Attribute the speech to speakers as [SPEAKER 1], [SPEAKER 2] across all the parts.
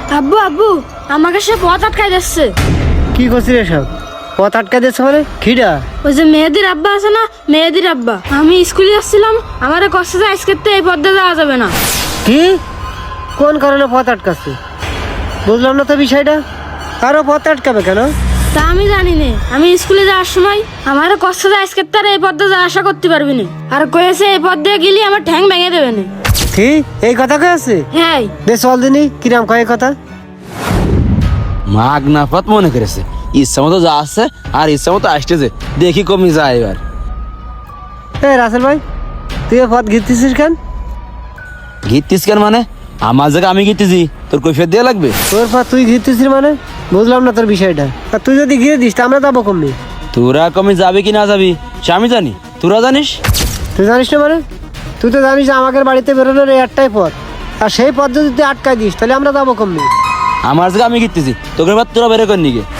[SPEAKER 1] আব্বু আব্বু আমাকে সে পথ আটকাই দিচ্ছে।
[SPEAKER 2] কি করছিস এসব? পথ আটকা দিচ্ছে মানে খিডা?
[SPEAKER 1] ওই যে মেহেদির আব্বা আছে না, মেহেদির আব্বা। আমি স্কুলে যাচ্ছিলাম, আমার কষ্ট যে আজকে এই পথে যাওয়া যাবে না।
[SPEAKER 2] কি কোন কারণে পথ আটকাচ্ছে বুঝলাম না তো বিষয়টা। আরো পথ আটকাবে কেন?
[SPEAKER 1] তা আমি জানি না। আমি স্কুলে যাওয়ার সময় আমার কষ্ট যে আজকে তার এই পথে যাওয়া আশা করতে পারবি না। আর কয়েছে এই পথ দিয়ে গেলে আমার ঠ্যাং ভেঙে দেবে না।
[SPEAKER 2] কি এই কথা কে আছে?
[SPEAKER 1] হ্যাঁ
[SPEAKER 2] দে চল দিনি কিরাম কয় কথা।
[SPEAKER 3] মাগ না পথ মনে করেছে, ইচ্ছা মতো যা আসছে আর ইচ্ছা মতো আসতেছে, দেখি কমি যায় এবার।
[SPEAKER 2] এই রাসেল ভাই, তুই এ পথ ঘিরতেছিস কেন?
[SPEAKER 3] ঘিরতিস কেন মানে? আমার জায়গা আমি ঘিরতেছি, তোর কৈফিয়ত দেওয়া লাগবে?
[SPEAKER 2] তোর পথ তুই ঘিরতেছিস মানে বুঝলাম না তোর বিষয়টা। আর তুই যদি ঘিরে দিস তা আমরা যাবো কমনি।
[SPEAKER 3] তোরা কমি যাবি কি না যাবি সে আমি জানি, তোরা জানিস?
[SPEAKER 2] তুই জানিস না মানে? তুই তো জানিস যে আমাদের বাড়িতে বেরোনোর এই একটাই পথ, আর সেই পথ যদি তুই আটকাই দিস তাহলে আমরা যাবো কমনি।
[SPEAKER 3] আমার জায়গা আমি ঘিরতেছি, তোকে এবার তোরা বেরো কর নিকে।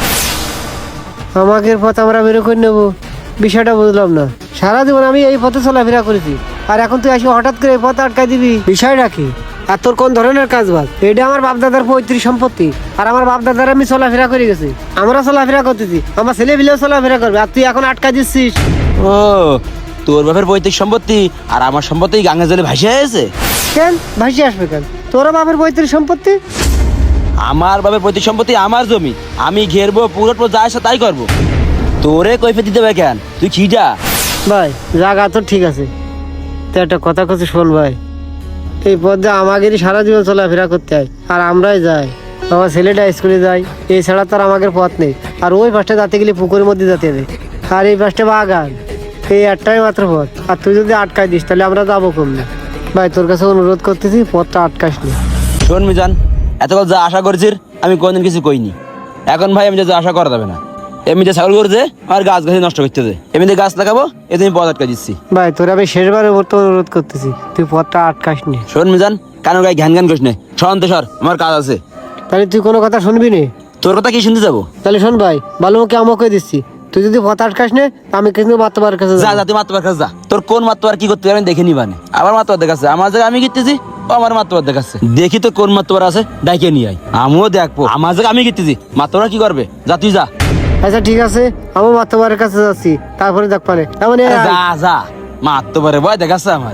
[SPEAKER 2] আমাদের পথ আমরা বেরো করে নেবো, বিষয়টা বুঝলাম না। সারা জীবন আমি এই পথে চলাফেরা করেছি, আর এখন তুই আসি হঠাৎ করে এই পথে আটকাই দিবি, বিষয়টা কি? আর তোর কোন ধরনের কাজ বাজ? এটা আমার বাপদাদার পৈতৃক সম্পত্তি, আর আমার বাপদাদার আমি চলাফেরা করে গেছি, আমরা চলাফেরা করতেছি, আমার ছেলে পিলেও চলাফেরা করবে, আর তুই এখন আটকাই দিচ্ছিস।
[SPEAKER 3] ও, তোর বাপের পৈতৃক সম্পত্তি আর আমার সম্পত্তি গাঙ্গে জলে ভাসে আছে?
[SPEAKER 2] কেন ভাসি আসবে কেন? তোরা বাপের পৈতৃক সম্পত্তি।
[SPEAKER 3] আমার বাপের পৈতৃক সম্পত্তি, আমার জমি, আমি ঘেরবো, পুরো যা আসে তাই করবো। তোরে কৈফিয়ত দিতে হবে কেন? তুই খিজা
[SPEAKER 2] ভাই জায়গা তো ঠিক আছে, তো একটা কথা কথা শোন ভাই, এই পথে আমাদেরই সারা জীবন চলাফেরা করতে হয়, আর আমরাই যাই, আমার ছেলেটা স্কুলে যায়, এছাড়া তার আমাদের পথ নেই। আর ওই পাশটা যাতে গেলে পুকুরের মধ্যে যেতে হবে, আর এই পাশটা বাগান, এই একটাই মাত্র পথ। আর তুই যদি আটকাই দিস তাহলে আমরা যাবো কমলে। ভাই তোর কাছে অনুরোধ করতেছি পথটা আটকাস নি।
[SPEAKER 3] শোন মিজান, এতকাল যা আশা করছিস আমি কোনদিন কিছু কইনি। এখন ভাই আমি যা আশা করা যাবে না। এমনি যে ছাগল করছে আর গাছ গাছ নষ্ট করতেছে, এমনি গাছ লাগাবো এতে আমি পথ আটকা দিচ্ছি।
[SPEAKER 2] ভাই তোর আমি শেষবারের মতো অনুরোধ করতেছি তুই পথটা আটকাস নি।
[SPEAKER 3] শোন মিজান, কানো গায়ে ঘ্যান ঘ্যান করিস নে, সর সর, আমার কাজ আছে।
[SPEAKER 2] তাহলে তুই কোনো কথা শুনবি নি?
[SPEAKER 3] তোর কথা কি শুনতে যাবো?
[SPEAKER 2] তাহলে শোন ভাই, ভালো মুখে আমাকে দিচ্ছি, তুই যদি পথ আটকাস নে আমি কিন্তু মাতবার কাছে
[SPEAKER 3] যা
[SPEAKER 2] যাবো।
[SPEAKER 3] যা, তুই মাতবার কাছে যা, তোর কোন মাতবার কি করতে পারে দেখে নিবানে। আবার মাতবার দেখাচ্ছে, আমার জায়গায় আমি গিতেছি, ও আমার মাতবার দেখাচ্ছে, দেখি তো কোন মাতবার আছে ডাইকে নিয়ে আয়, আমিও দেখবো। আমার জায়গায় আমি গিতেছি, মাতবার কি করবে? যা তুই যা।
[SPEAKER 2] আচ্ছা ঠিক আছে, আমি মাতবারের কাছে যাচ্ছি, তারপরে দেখ পারে এমন
[SPEAKER 3] যা যা, মাতবারে ভয় দেখাচ্ছে আমার।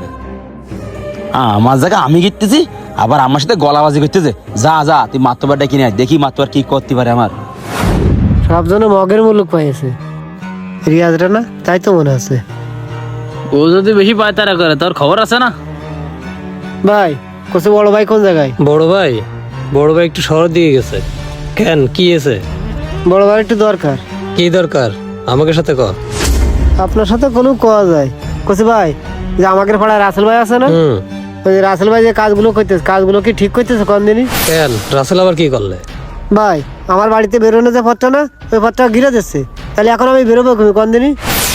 [SPEAKER 3] আমার জায়গা আমি গিতেছি, আবার আমার সাথে গলাবাজি করতেছে। যা যা, তুই মাতবারটা কিনে আয়, দেখি মাতবার কি করতে পারে আমার।
[SPEAKER 2] সব জন মগের মুলুক পাইছে, রিয়াজটা না, তাই তো মনে আছে।
[SPEAKER 4] ও যদি বেশি পায়তারা করে তোর খবর আছে না?
[SPEAKER 2] ভাই কোসে বড় ভাই কোন জায়গায়?
[SPEAKER 5] বড় ভাই একটু শহর দিয়ে গেছে। কেন, কি আছে?
[SPEAKER 2] বড় ভাই একটু দরকার।
[SPEAKER 5] কি দরকার আমাকে সাথে ক।
[SPEAKER 2] আপনার সাথে কোনো কোয়া যায় কোসে ভাই, যে আমাদের পাড়ায় রাসেল ভাই আছে না,
[SPEAKER 5] হুম,
[SPEAKER 2] ওই যে রাসেল ভাই যে কাজগুলো করতেছে, কাজগুলো কি ঠিক করতেছে কোন দিনই?
[SPEAKER 5] কেন রাসেল আবার কি করলে?
[SPEAKER 2] ভাই আমার বাড়িতে বেরোনো যে পথটা না, ওই পথটা ঘিরে দিচ্ছে, তাহলে এখন আমি বেরোবো কোন দিনই?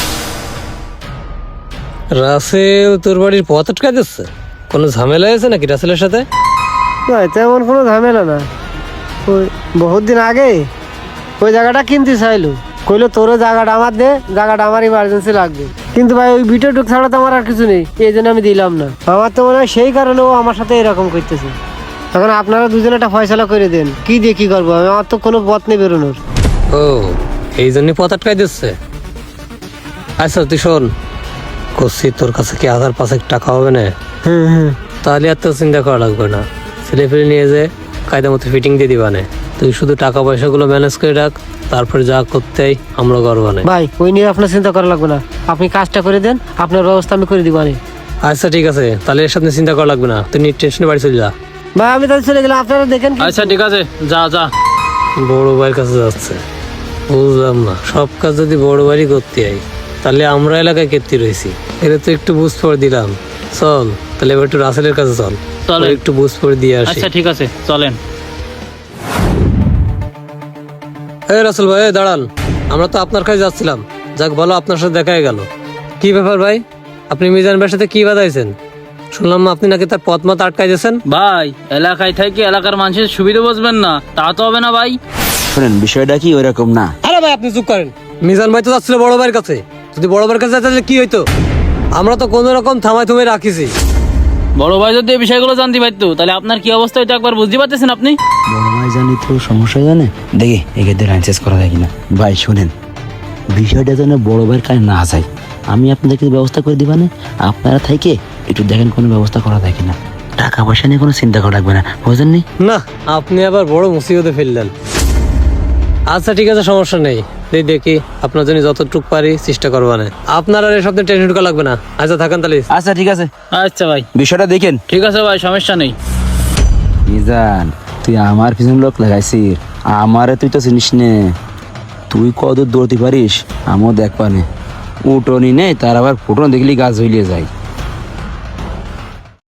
[SPEAKER 5] রাসেল তোর বাড়ির পথ আটকা দিচ্ছে? কোনো ঝামেলা আছে নাকি রাসেলের সাথে?
[SPEAKER 2] ভাই তেমন কোনো ঝামেলা না, ওই বহুত দিন আগে ওই জায়গাটা কিনতে চাইলো, কইলো তোরও জায়গাটা আমার দে, জায়গাটা আমার ইমার্জেন্সি লাগবে, কিন্তু ভাই ওই ভিডিও টুক ছাড়া তো আমার আর কিছু নেই, এই জন্য আমি দিলাম না। আমার তো মনে হয় সেই কারণে ও আমার সাথে এরকম করতেছে। এখন আপনারা দুজনে একটা ফয়সালা করে দেন, কি দিয়ে কি করবো, আমার তো কোনো পথ নেই বেরোনোর।
[SPEAKER 5] ও, এই জন্য পথ আটকাই দিচ্ছে। আচ্ছা তুই শোন, করছি তোর কাছে কি 1000-5 টাকা হবে না?
[SPEAKER 2] হুম,
[SPEAKER 5] তাহলে এত চিন্তা করা লাগবে না, ছেলে ফেলে নিয়ে যে কায়দা মতো ফিটিং দিয়ে দিবানে। তুই শুধু টাকা পয়সাগুলো ম্যানেজ করে রাখ, তারপরে যা করতেই আমরা করবানে।
[SPEAKER 2] ভাই ওই নিয়ে আপনার চিন্তা করা লাগবে না, আপনি কাজটা করে দেন, আপনার ব্যবস্থা আমি করে দিবানি।
[SPEAKER 5] আচ্ছা ঠিক আছে, তাহলে এর সাথে চিন্তা করা লাগবে না, তুই টেনশনে বাড়ি চলে যা।
[SPEAKER 2] ভাই আমি তাহলে চলে গেলাম, আপনারা দেখেন।
[SPEAKER 4] আচ্ছা ঠিক আছে, যা যা।
[SPEAKER 5] বড় ভাইয়ের কাছে যাচ্ছে, বুঝলাম না, সব কাজ যদি বড় ভাই করতে হয় তাহলে আমরা এলাকায় কেটে রয়েছি, এটা তো একটু বুঝ পড়ে দিলাম। চল তাহলে এবার একটু রাসেলের কাছে চল,
[SPEAKER 4] চলেন।
[SPEAKER 5] ওর একটু বুঝ পড়ে দিয়ে আসি।
[SPEAKER 4] আচ্ছা ঠিক আছে, চলেন।
[SPEAKER 5] এই রাসেল ভাই, এই দাঁড়ান, আমরা তো আপনার কাছে যাচ্ছিলাম, যাক ভালো আপনার সাথে দেখা গেল। কি ব্যাপার ভাই, আপনি মিজান ভাইয়ের সাথে কি বাদাইছেন? শুনলাম আপনি নাকি তার পথ মত আটকাই দিয়েছেন।
[SPEAKER 4] ভাই এলাকায় থেকে এলাকার মানুষের সুবিধা বুঝবেন না, তা তো হবে না ভাই।
[SPEAKER 3] শোনেন, বিষয়টা কি ওইরকম না।
[SPEAKER 5] আরে ভাই আপনি চুপ করেন, মিজান ভাই তো যাচ্ছিল বড় ভাইয়ের কাছে, যদি বড় ভাইয়ের কাছে যাচ্ছে তাহলে কি হইতো? আমরা তো কোনো রকম থামাই থুমাই রাখিছি,
[SPEAKER 4] বড় ভাই যদি এই বিষয়গুলো জানতে পারতো তাহলে আপনার কি অবস্থা হইতো একবার বুঝতে পারতেছেন আপনি।
[SPEAKER 3] বড় ভাই জানি তো সমস্যা জানে, দেখি এক্ষেত্রে লাইন চেঞ্জ করা যায় কিনা। ভাই শুনেন, বিষয়টা যেন বড় ভাইয়ের কাছে না যায়, আমি আপনাদেরকে ব্যবস্থা করে দিবানে, আপনারা থেকে একটু দেখেন কোনো ব্যবস্থা করা যায় কিনা। টাকা পয়সা নিয়ে কোনো চিন্তা করা লাগবে না, বুঝলেন নি?
[SPEAKER 5] না, আপনি আবার বড় মুসিবতে ফেললেন। আচ্ছা ঠিক আছে, সমস্যা নেই, দেখি আপনার জন্য যতটুকু পারি চেষ্টা করবো না। আপনার আর এসব নিয়ে টেনশন করা লাগবে না। আচ্ছা থাকেন তাহলে।
[SPEAKER 3] আচ্ছা ঠিক আছে,
[SPEAKER 4] আচ্ছা ভাই,
[SPEAKER 3] বিষয়টা দেখেন।
[SPEAKER 4] ঠিক আছে ভাই, সমস্যা নেই।
[SPEAKER 3] মিজান, তুই আমার পিছনে লোক লাগাইছিস, আমারে তুই তো চিনিস নে, তুই কত দৌড়তে পারিস আমিও দেখ পানে। উঠোনি নেই তার আবার ফুটন দেখলি গাছ হইলে যায়।